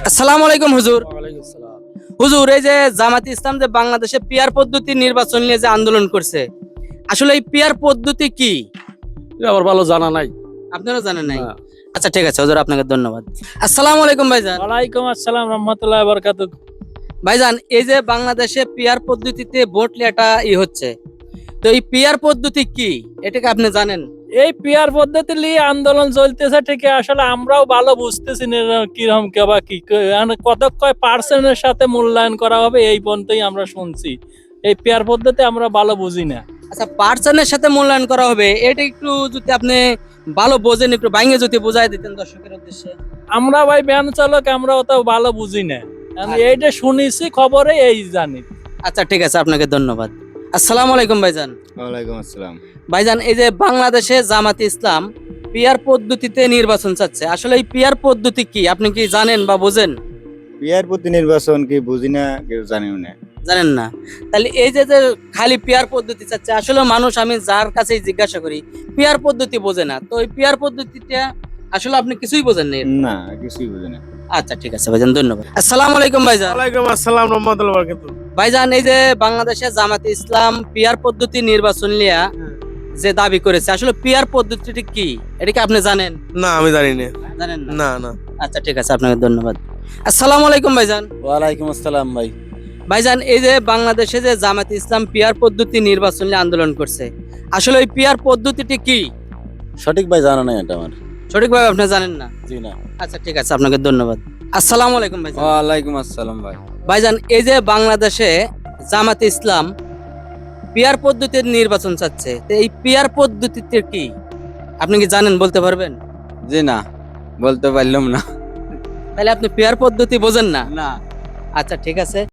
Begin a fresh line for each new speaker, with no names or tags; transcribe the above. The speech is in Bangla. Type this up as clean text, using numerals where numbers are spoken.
আসসালামু আলাইকুম হুজুর। হুজুর, এই যে জামাতে ইসলাম যে বাংলাদেশে পিয়ার পদ্ধতি নির্বাচন নিয়ে যে আন্দোলন করছে, আসলে এই পিয়ার পদ্ধতি কি?
আমার ভালো জানা নাই।
আপনারা জানেন নাই? আচ্ছা ঠিক আছে হুজুর, আপনাকে ধন্যবাদ। আসসালামু আলাইকুম ভাইজান।
ওয়ালাইকুম আসসালাম রহমতুল্লাহ বারাকাতুহু।
ভাইজান, এই যে বাংলাদেশে পিয়ার পদ্ধতিতে ভোট লেটা হচ্ছে, তো এই পিয়ার পদ্ধতি কি এটাকে আপনি জানেন?
এই পিয়ার পদ্ধতি নিয়ে আন্দোলন চলতেছে ঠিকই, আসলে আমরাও ভালো বুঝতেছি না কিরকম কেবা কি কত কয় পার্সেন্টের সাথে মূল্যায়ন করা হবে এই পর্যন্তই আমরা শুনছি। এই পিয়ার পদ্ধতি আমরা ভালো বুঝি না।
আচ্ছা, পার্সনের সাথে মূল্যায়ন করা হবে, এটা একটু যদি আপনি ভালো বোঝেন একটু ভাঙে যদি বোঝাই দিতেন দর্শকের উদ্দেশ্যে।
আমরা ভাই ভ্যান চালক, আমরা অত ভালো বুঝি না। আমি এইটা শুনেছি খবরে, এই জানি।
আচ্ছা ঠিক আছে, আপনাকে ধন্যবাদ। আসসালামু আলাইকুম ভাইজান।
ওয়ালাইকুম আসসালাম।
ভাইজান, এই যে বাংলাদেশে জামাতে ইসলাম পিয়ার পদ্ধতিতে নির্বাচন চাচ্ছে, আসলে এই পিয়ার পদ্ধতি কি আপনি কি জানেন বা বোঝেন?
পিয়ার প্রতি নির্বাচন কি বুঝি না, কেউ জানিও না।
জানেন না? তাহলে এই যে যে খালি পিয়ার পদ্ধতি চাচ্ছে, আসলে মানুষ আমি যার কাছেই জিজ্ঞাসা করি পিয়ার পদ্ধতি বোঝে না, তো এই পিয়ার পদ্ধতিটা আসলে আপনি কিছুই বোঝেন না?
না, কিছুই বুঝি না।
আচ্ছা ঠিক আছে ভাইজান, ধন্যবাদ। আসসালামু আলাইকুম ভাইজান।
ওয়ালাইকুম আসসালাম রহমতুল্লাহ বারাকাতুহু।
ভাইজান, এই যে বাংলাদেশে জামাতে ইসলাম পিয়ার পদ্ধতি নির্বাচন নিয়ে যে দাবি করেছে, আসলে পিয়ার পদ্ধতিটি কি এটা কি আপনি জানেন?
না, আমি জানি না।
জানেন না?
না না।
আচ্ছা ঠিক আছে, আপনাকে ধন্যবাদ। আসসালামু আলাইকুম ভাইজান।
ওয়ালাইকুম আসসালাম ভাই।
ভাইজান, এই যে বাংলাদেশে যে জামাতে ইসলাম পিয়ার পদ্ধতি নির্বাচন নিয়ে আন্দোলন করছে, আসলে ওই পিয়ার পদ্ধতিটি কি?
সঠিক ভাই জানা নাই এটা আমার।
সঠিকভাবে আপনি জানেন না?
জি না।
আচ্ছা ঠিক আছে, আপনাকে ধন্যবাদ। আসসালামু আলাইকুম ভাইজান।
ওয়ালাইকুম আসসালাম ভাই।
ভাইজান, এই যে বাংলাদেশে জামাতে ইসলাম পিয়ার পদ্ধতির নির্বাচন চাচ্ছে, তো এই পিয়ার পদ্ধতিতে কি আপনি কি জানেন, বলতে পারবেন?
জি না, বলতে পারলাম না।
তাহলে আপনি পিয়ার পদ্ধতি বোঝেন না?
না।
আচ্ছা ঠিক আছে।